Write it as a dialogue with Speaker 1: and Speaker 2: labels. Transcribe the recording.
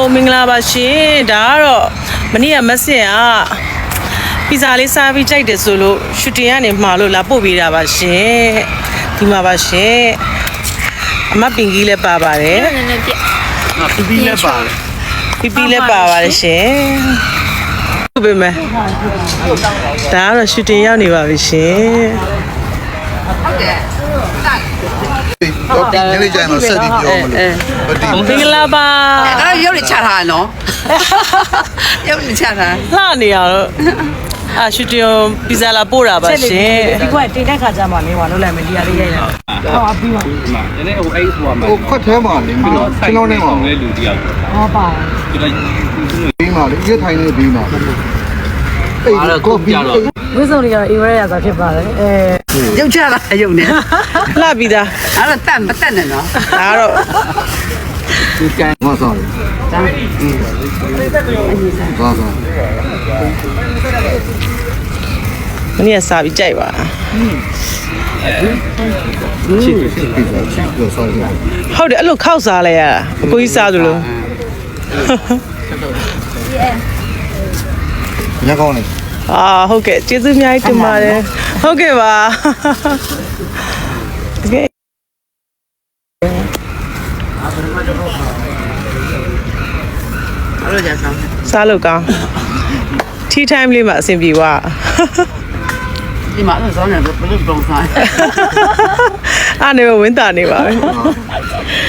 Speaker 1: မင်္ဂလာပါရှင်ဒါကတော့မနေ့ကမက်ဆင်ကပီဇာလေးစားပြီးကြိုက်တယ်ဆိုလို့ရှူတင်ကနေမှာလို့လာပို့ပေးတာပါရှင်ဒီမှာပါရှင်အမပင်ကြီးလည်းပါပါတယ်ပီပီလည်းပါပါတယ်ရှင်ဟုတ်ပြီမယ်ဒါကတော့ရှူတင်ရောက်နေပါပြီရှင်
Speaker 2: ဟုတ်တယ်ဒီနေ့ကျရင်တော့ဆက်ပြီးပြောမလို့
Speaker 1: မင်္ဂလာပါ
Speaker 3: အဲ့ရုပ်တွေချထားနော်ရုပ်တွေချထား
Speaker 1: လှနေရတော့ရှူတင်ပီဇာလာပို့တာပါရှင်
Speaker 4: ဒီကွက်တင်တဲ့ခါကျမှနေပါလို့လည်းမဒီရလေးရိုက်တာဟောပြီးပါ
Speaker 2: ဒီနေ့ဟိုအဲ့ဟိုမှာဟိုခွက်ထဲမှာနေပြီးတော့ကျွန်တော်နဲ့မှာလေလူတယောက်
Speaker 4: ဟောပါ
Speaker 2: ဒီလိုက်ပြီးမှလေရထိုင်နေပြီးမှအဲ့ဒါကောပီ
Speaker 4: ဝိစုံတွေကတော့အေဝရရသာဖြစ်ပါတယ်
Speaker 3: ရုပ်ချတာရုပ်နဲ့
Speaker 1: လှပြီးသား
Speaker 3: အဲ့တော့တတ်မတတ်နဲ့နော်
Speaker 1: ဒါတော့
Speaker 2: ဒီကံမဆောတယ်
Speaker 3: ဒါ
Speaker 2: ဘာသာ
Speaker 1: မနေ့ကစားပြီးကြိုက်ပါ
Speaker 2: ချစ်ပြီးတော့ချစ်လို့ဆောတယ်
Speaker 1: ဟုတ်တယ်အဲ့လိုခောက်စားလိုက်ရတာအကိုကြီးစားသလို
Speaker 2: ညကောင်းနေ
Speaker 1: ဟုတ်ကဲ့ကျေးဇူးအများကြီးတင်ပါတယ်ဟုတ်ကဲ့ပါတကယ်
Speaker 3: အဲ့လိုကြဆောင်
Speaker 1: စားလို့ကောင်း tea time လေးမှာအဆင်ပြေွား
Speaker 3: ဒီမှာတော့ဆောင်းနေဘယ်လိုပုံစား
Speaker 1: အားနေဝင်းတာနေပါပဲ